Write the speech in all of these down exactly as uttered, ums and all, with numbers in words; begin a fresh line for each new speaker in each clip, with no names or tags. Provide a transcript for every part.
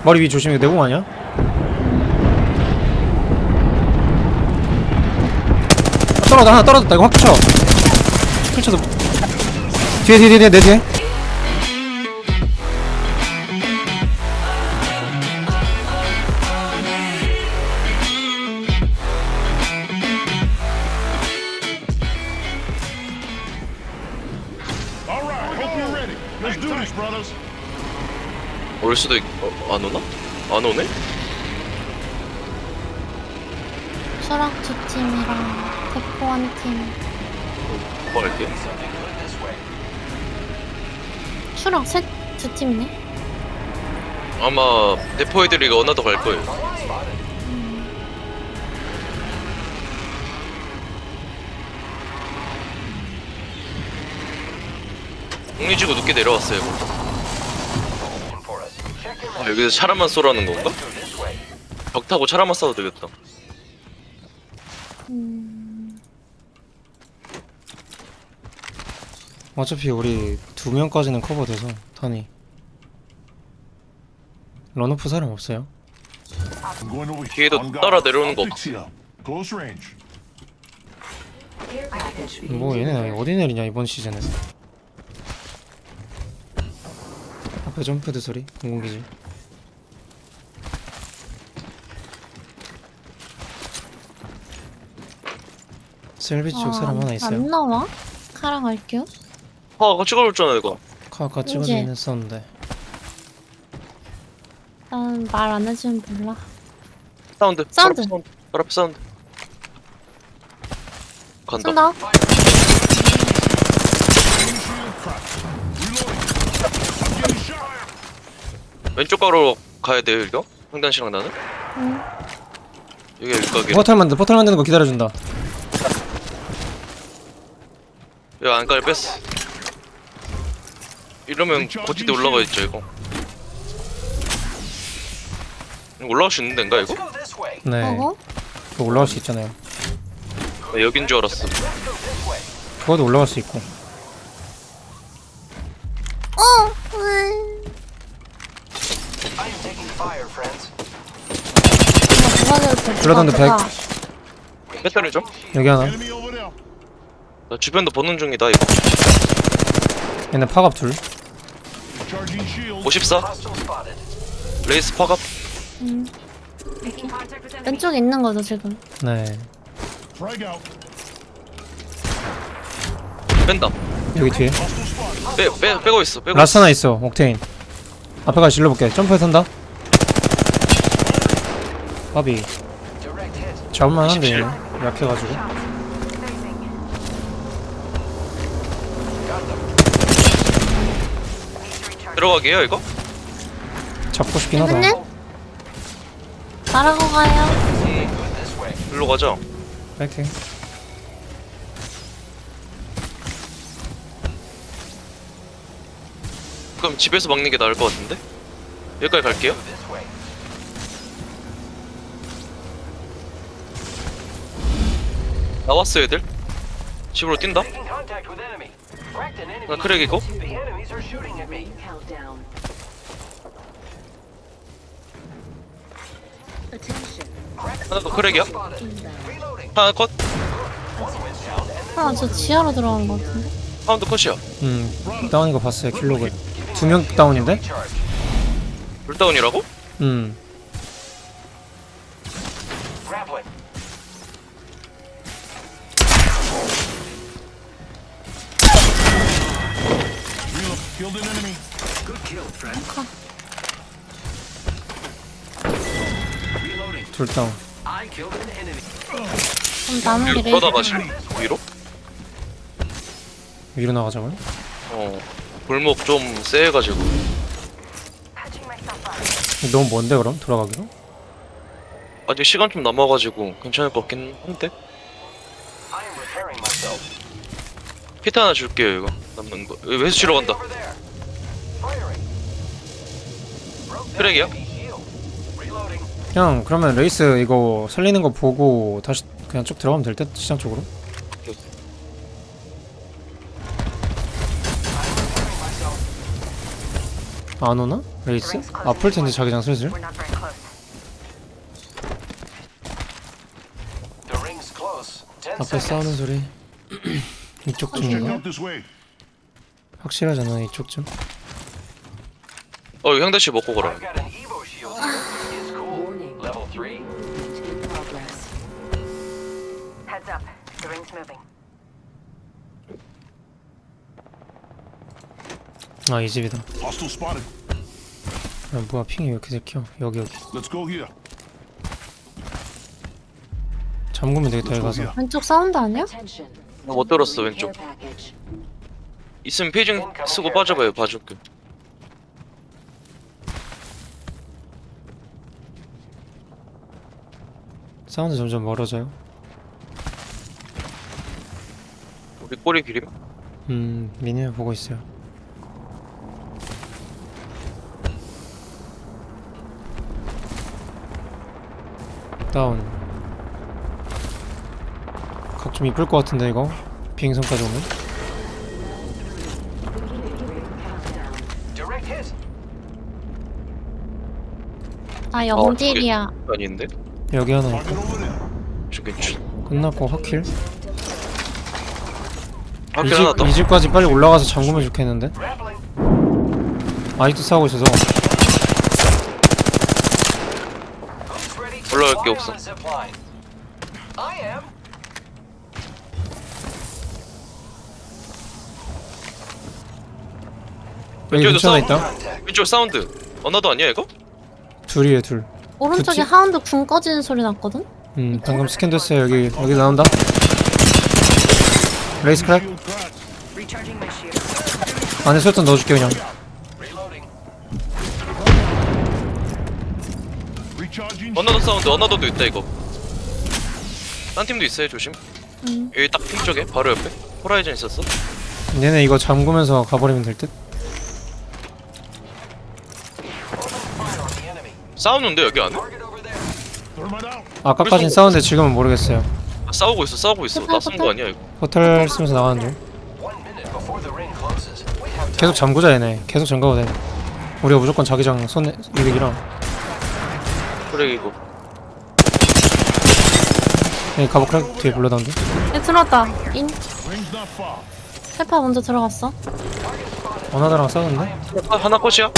머리 위 조심해. 내공 아니야? 아, 떨어졌다. 하나 떨어졌다. 이거 확 쳐. 펼쳐서 뒤에 뒤에 뒤에 내 뒤에.
올 수도 있... 어, 안 오나? 안 오네?
수락 두 팀이랑 대포 한 팀.
뭐 할게?
수락 셋 두 팀이네.
아마 대포 애들이 어나더 갈 거예요. 공리지구 늦게 내려왔어요. 아, 여기서 차라만 쏘라는 건가? 벽 타고 차라만 쏴도 되겠다.
음...
어차피 우리 두 명까지는 커버돼서 탄이. 런오프 사람 없어요?
뒤에도 따라 내려오는 거 없지.
뭐 얘네 어디 내리냐 이번 시즌은. 앞에 점프드 소리 공공기지. 셀비 쪽 사람 하나 있어요.
안 나와? 카라 갈게요.
아, 아까 찍어줬잖아 이거.
카 아까
이제.
찍어주긴 했었는데.
난 말 안 해주면 몰라.
사운드.
사운드.
바로 앞에 사운드. 바로 앞에 사운드. 간다.
쏜다.
왼쪽 가로 가야 돼요 이거? 황단 씨랑 나는?
응.
여기가 일각이라.
포탈 만드 포탈 만드는 거 기다려준다.
여기 안까지 뺐어. 이러면 고지대 올라가 있죠 이거. 이거 올라갈 수 있는 데인가 이거?
네.
어거?
그거 올라갈 수 있잖아요.
나 여긴 줄 알았어.
그거도 올라갈 수 있고.
어! 으이. 누가 될때
블러던드 백.
배터리 좀?
여기 하나.
나 주변도 보는 중이다 이거.
얘네 파갑 둘.
오십사. 레이스 파갑.
음. 이렇게. 왼쪽에 있는 거죠 지금.
네.
뺀다.
여기 뒤에.
빼, 빼, 빼고 있어. 빼고
라스 하나 있어. 옥테인. 앞에 가서 질러볼게. 점프해 선다. 바비. 잡을만 한데 얘는 약해가지고.
들어가게요 이거?
잡고 싶긴 하다.
여기는? 말하고 가요.
일로 가자.
뺄게.
그럼 집에서 막는 게 나을 것 같은데? 여기까지 갈게요. 나왔어 얘들. 집으로 뛴다. 나 크랙이고. 하나 더 크랙이야. 하나 컷.
아, 저 지하로 들어간 거 같은데?
하나 더 컷이야.
음. 다운인 거 봤어요. 킬로그. 두 명 다운인데?
불다운이라고?
음. 둘 다운.
그럼 남은 게
위로
레이저.
가실래? 위로?
위로 나가자고요?
어. 골목 좀 쎄해가지고.
너무 먼데 그럼? 돌아가기로?
아직 시간 좀 남아가지고 괜찮을 것 같긴 한데. 피트 하나 줄게요 이거 남는 거. 여기 회수 치러 간다. 크랙이야?
그냥 그러면 레이스 이거 살리는 거 보고 다시 그냥 쭉 들어가면 될 듯? 시장 쪽으로? 안 오나? 레이스? 아플 텐데 자기장 슬슬.
We're not very close.
The ring's close. Ten
앞에
seconds.
싸우는 소리. 이쪽
Check
쯤인가?
out this way.
확실하잖아 이쪽 쯤.
어 이거 형대씨 먹고 가라.
I've got an Evo shield here. It's cool. Level three.
Heads up. The ring's moving.
아 이 집이다.
Hostile spotted.
야, 뭐야 핑이 왜 이렇게 새끼야. 여기 여기.
Let's go here.
잠그면 되겠다 여기
Let's go
가서.
here.
왼쪽 사운드 아니야?
못 들었어 왼쪽. 있으면 페이징 쓰고 빠져봐요. 봐줄게.
사운드 점점 멀어져요.
우리 꼬리 길임.
음 미니맵 보고 있어요. 다운. 각 좀 이쁠 것 같은데 이거 비행선까지 오면.
Direct hit.
아 영딜이야.
아닌데?
여기 하나 있고.
Target over there.
저기 주-
끝났고 확킬.
밖에 하나 더.
이 집까지 빨리 올라가서 잠그면 좋겠는데.
Grappling.
아직도 싸우고 있어서.
Who's ready to
올라갈 게
fly
없어.
on the zip line? I am.
여기
왼쪽에도
근처에
싸워?
있다.
Contact.
왼쪽 사운드. 언어도 아니야 이거?
둘이에요 둘.
오른쪽에
그치?
하운드 궁 꺼지는 소리 났거든?
음 방금 스캔 됐어요. 여기 여기 나온다. 레이스 크랙.
Shield cracked.
Recharging my shield.
안에 설탕 넣어줄게 그냥.
Reloading.
Recharging.
언어도 사운드. 언어도도 있다 이거. 딴 팀도 있어요 조심.
음.
여기 딱 핑 쪽에 바로 옆에 호라이즌 있었어.
얘네 이거 잠그면서 가버리면 될 듯.
Fire on the enemy.
싸우는데 여기 안에?
Target over there.
Thermite out.
아까까진 싸웠는데 지금은 모르겠어요.
아, 싸우고 있어 싸우고 있어. 낯선 거 아니야 이거?
포털 쓰면서 나가는 중.
One minute before the ring closes. We have time.
계속 잠그자 얘네. 계속 잠가도 돼. 우리가 무조건 자기장 손 이득이라.
그래 이거.
여기 가보 크랙 뒤에 불러다는데.
얘 들어왔다. 인.
Ring's not far.
페파 먼저 들어갔어.
어나다랑 싸웠는데.
아, 하나 컷이야?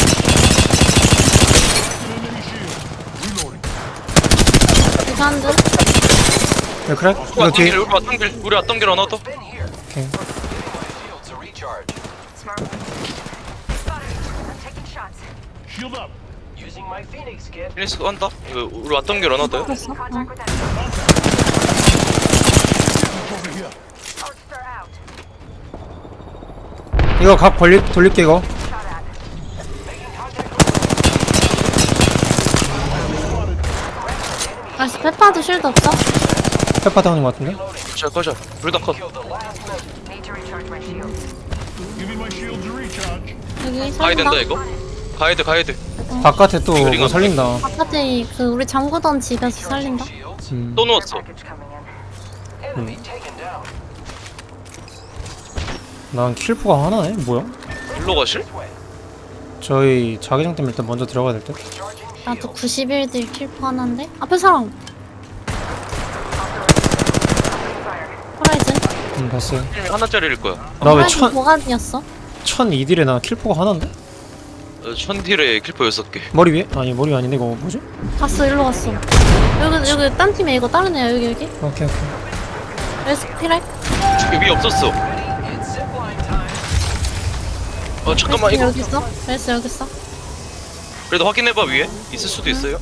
Enemy shield. Reloading.
이 하운드.
여기 크랙.
우리
이거
왔던
뒤에.
길 우리 왔던 길 우리 왔던 길 하나 더.
Been here.
오케이.
Shield to recharge.
Smart. Spotted. I'm taking shots.
Shield up.
Using my Phoenix kit.
피니스 한다. 이거 우리 왔던 길 하나 더요.
들었어?
Contact
어.
with that.
Over here.
Archer out.
이거 각 벌리 돌릴게 이거.
Shot at.
Making contact with
아씨 페파도 쉴드 없어?
페파 다운인 것 같은데.
자 컷이야. 둘 다 컷.
Killed the last member.
Need to recharge my shield.
Give me my shield to recharge.
여기
가야
살린다.
된다 이거. 가야 돼 가야 돼.
바깥에 또
이거
뭐
이거
살린다.
바깥에 그 우리 잠그던 집에서 살린다.
Shields.
음.
또 누웠어.
Package coming in.
Enemy taken down.
난 킬포가 하나네. 뭐야?
일로 가실?
This way.
저희 자기장 때문에 일단 먼저 들어가야 될 듯.
Charging
나도
shield.
구십일 딜 킬포 하나인데? 앞에 사람! 호라이즌?
음 봤어요.
하나짜리일 거야.
나 왜
호라이즌
천
보관이었어?
천 이딜에 나 킬포가 하나인데?
어, 천딜에 킬포 여섯 개.
머리 위에? 아니 머리 아닌데 이거 뭐지?
갔어 일로 갔어. 여기 여기 딴 팀에 이거 다른 애야 여기 여기.
오케이 오케이.
레스피렉?
여기 위에 없었어.
It's zipline time.
어 잠깐만
레스
이거.
여기 있어? 레스 여기 있어?
그래도 확인해봐 위에. 있을 수도 있어요.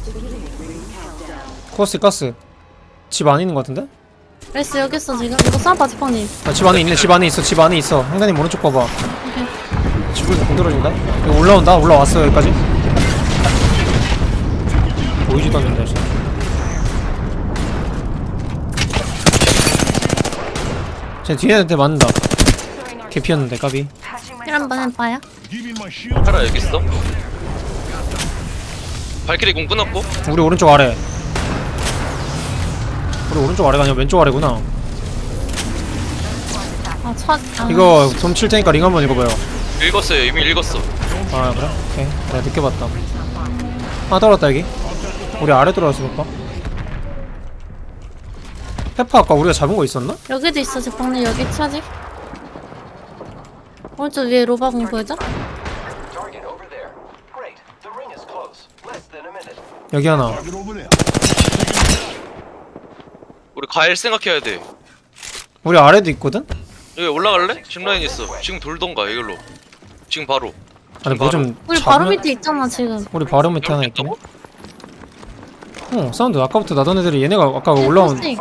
코스 가스. 집 안에 있는 것 같은데?
레스 여기 있어 지금? 이거 쏴봐 지팡님.
아, 집 안에 있네. 집 안에 있어. 집 안에 있어. 형단님 오른쪽 봐봐. 집을 못 들어준다. 이거 올라온다. 올라왔어 여기까지. 보이지도 않는다. 진짜. 쟤 뒤에한테 맞는다. 개 피었는데 까비.
Patching
힐
myself
한번
up.
해봐요.
Give me my shield.
하라 여기 있어. 발키리 공 끊었고.
우리 오른쪽 아래. 우리 오른쪽 아래가 아니라 왼쪽 아래구나.
아 첫. 아,
이거 돔 칠 테니까 링 한번 읽어봐요.
읽었어요. 이미 읽었어.
아 그래? 오케이 내가 늦게 봤다. 하나 떨어졌다 여기. 우리 아래 들어와서 볼까? 페퍼 아까 우리가 잡은 거 있었나?
여기도 있어 제빵님 여기 차지. 오른쪽 위에 로바공 보여줘?
Target over there. Great. The ring is close. Less than a minute.
여기 하나.
Target over there.
우리 가일 생각해야 돼.
우리 아래도 있거든?
여기 올라갈래? 짚라인 있어. 지금 돌던가 이걸로. 지금 바로.
아니 뭐 좀
우리 바로 밑에 있잖아 지금.
우리 바로 밑에 하나 있긴 해.
있다고?
어 사운드 아까부터 나던 애들이 얘네가 아까 올라온
스테이크.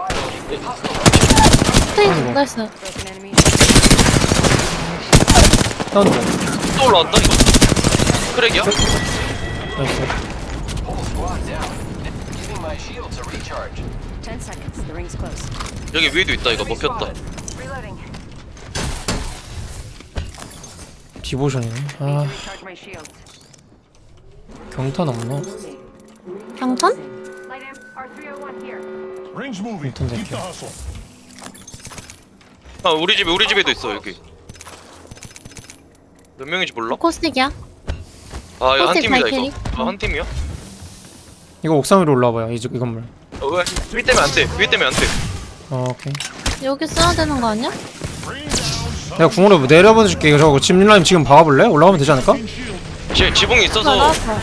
스테이크
아이고.
나이스.
Broken enemy.
사운드
또 올라왔다 이거. 크랙이야?
나이스.
Whole squad down. Giving my shields a recharge.
Ten seconds. The ring's close.
여기 위에도 있다 이거 먹혔다.
Reloading.
디보션이네. 아
Recharge my shields.
경탄 없나?
경탄?
Light amp. R three oh one here.
Ring's moving.
Don't
Keep the
think
hustle.
아 우리 집에 우리 집에도 있어 여기. 몇 명인지 몰라?
코스틱이야.
아 이거 한
코스틱
팀이다
발키리?
이거. 아, 한 팀이야?
이거 옥상 위로 올라와봐요. 이, 집- 이 건물.
어, 왜? 위 때문에 안 돼. 위 때문에 안 돼.
어 오케이.
여기 써야 되는 거 아니야?
Bring down
내가 궁으로 내려보내줄게. 이거 저거 집라임 지금 박아볼래? 올라가면 되지 않을까?
some shield.
지, 지붕이 있어서
나왔어.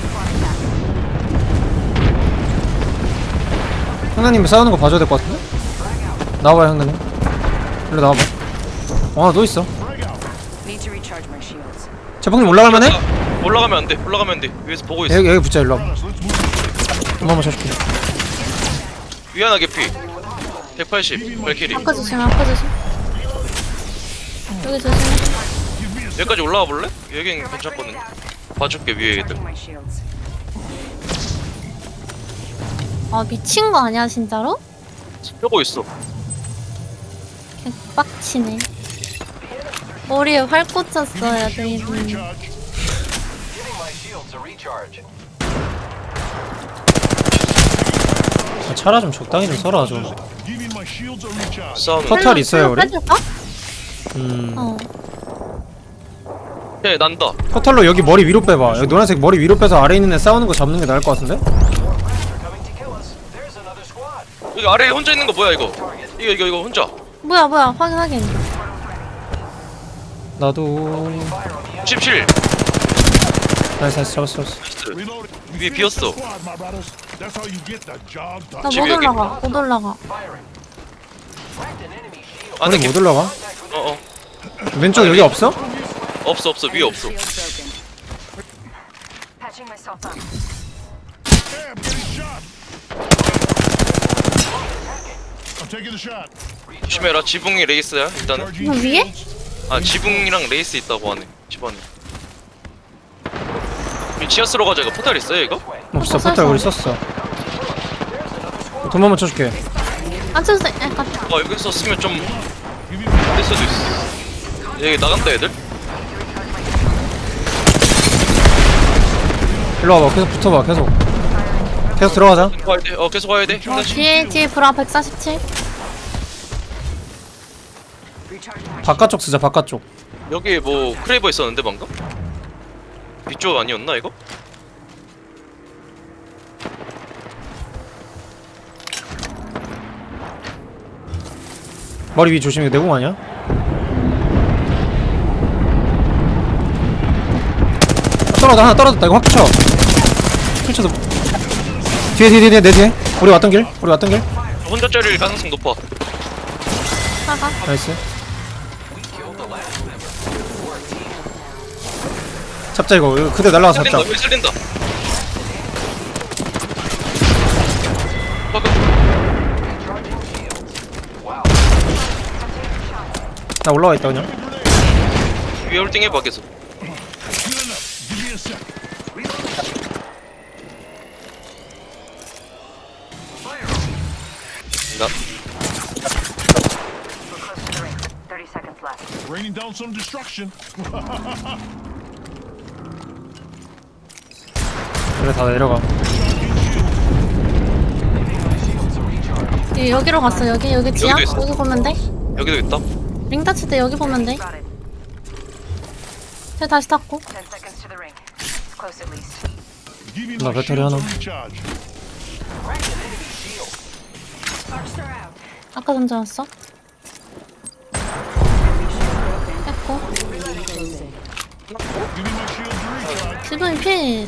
형나님 싸우는 거 봐줘야 될 것 같은데? 나와봐요 형나님. 일로 나와봐. 아너 있어.
Frag out.
Need to recharge my shields.
재봉님 올라갈만해?
아, 올라가면 안 돼. 올라가면 안 돼. 위에서 보고 있어.
여기 여기 붙자 일로 와봐.
Let's move.
한번 쳐줄게.
위안하게 피. 백팔십. 발키리.
아까 조심 아까 조심. 여기 조심.
Give me a sec.
여기까지 올라와 볼래? 여긴 괜찮거든. 봐줄게 위에 애들.
Recharging my shields.
아 미친 거 아니야 진짜로?
펴고 있어.
개빡치네. 머리에 활 꽂혔어야 돼.
Shields
이분.
recharge.
Giving my shields a recharge.
아, 차라 좀 적당히 좀 써라 좀.
Giving my shields a recharge.
싸우는.
컷. 포탈 있어요, 우리?
빼줄까?
음.
어.
네 난다.
포탈로 여기 머리 위로 빼봐. 여기 노란색 머리 위로 빼서 아래 있는 애 싸우는 거 잡는 게 나을 것 같은데?
They're coming to kill us. There's another squad.
여기 아래에 혼자 있는 거 뭐야 이거? 이거 이거 이거 혼자.
뭐야 뭐야 확인 확인.
나도.
십칠.
나이스 나이스 잡았어 잡았어.
Reloading. We
위에
finished
비었어.
the squad, my brothers. That's how you get the job done.
나
집에
못
여기.
올라가 못 올라가.
Firing. Cracked an enemy shield.
안에
아니
개.
못 올라가?
어어.
왼쪽 여기 없어?
없어 없어 위에 없어.
Shield broken. Patching myself up.
Damn, getting shot. I'm taking the shot.
조심해라. 지붕이 레이스야 일단은.
Charging
이거 위에?
shields.
아 지붕이랑 레이스 있다고 하네. 집안에. 우리 지하스로 가자. 이거 포탈 있어요 이거?
없어 포탈 우리 썼어. 돈 한번 쳐줄게.
안 쳐도 돼. 약간
아 여기서 쓰면 좀
Give me
될 수도 있어. 여기 나간다 애들.
일로 와봐. 계속 붙어봐. 계속. 계속 들어가자.
가야 돼. 어 계속 가야 돼.
어,
형단 씨.
뒤에 뒤에 브라 백사십칠.
Recharging my
바깥쪽 쓰자. 바깥쪽.
여기 뭐 크레이버 있었는데 방금? 뒤쪽 아니었나 이거?
머리 위 조심해. 내공 아니야? 아, 떨어졌다. 하나 떨어졌다. 이거 확 쳐. 펼쳐서. 뒤에 뒤에 뒤에 내 뒤에. 우리 왔던 길. 우리 왔던 길.
혼자짜리일 가능성 높아.
사가.
나이스. 잡자 이거. 이거 그대 날라가서
살린다.
잡자.
여기 살린다. 방금
Charging shields. Wow.
나 올라와 있다 그냥.
위에 홀딩 해봐 계속.
good enough. Give me a sec.
나
We're close to the ring. Thirty seconds left.
Raining down some destruction.
그래 다 내려가.
이- 여기로 갔어. 여기 여기 지하.
여기도 있어.
여기 보면 돼.
여기도 있다.
링 다칠 때 여기 보면 돼.
Spotted.
쟤 다시 탔고.
Ten seconds to the ring. close at least.
Give me
나
my
배터리
shield
하나.
to recharge.
Sparks are out.
아까 던져놨어? 뺐고.
Give me my shield to recharge.
지붕이 필.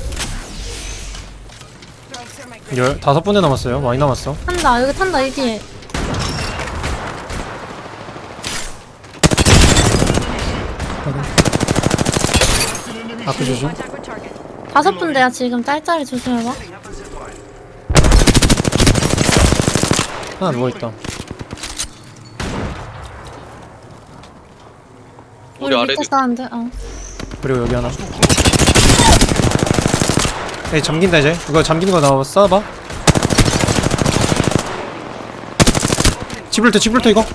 열 다섯 분대 남았어요. 많이 남았어.
탄다. 여기 탄다. 이 뒤에.
아크 조심.
Contact with target.
다섯 분대야 지금. 짤짤이 조심해봐.
하나 누워있다.
우리
우리
아래도
밑에 싸는데. 어.
그리고 여기 하나. 에이 잠긴다 이제. 이거 잠기는 거 나와 쏴봐. 지불터 지불터 이거.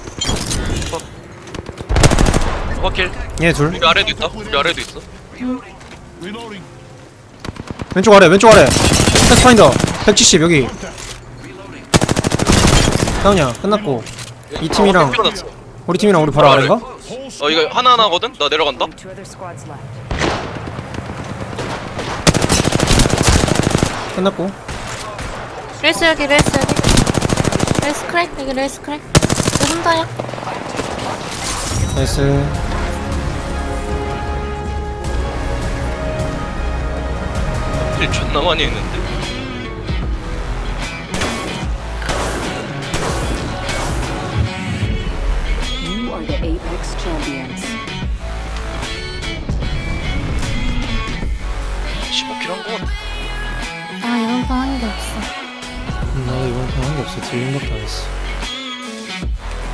확킬.
얘 둘.
우리 아래도 있다. 우리 아래도 있어.
Reloading.
왼쪽 아래 왼쪽 아래. 패스파인더 백칠십 여기. 다운이야 끝났고. 이 팀이랑
어,
우리 팀이랑 우리 바로 아래인가?
Whole
어 이거 하나 하나거든. 나 내려간다.
Two other squads left.
끝났고.
레이스 여기. 레이스 여기. 레이스 크랙. 여기 레이스 크랙. 너 혼자야?
나이스.
일 존나 많이 했는데.
You are the Apex Champions.
십오 킬 한 거 같아.
아 이번 판 한 게 없어.
음, 나도 이번 판 한 게 없어. 딜링밖에 안 했어.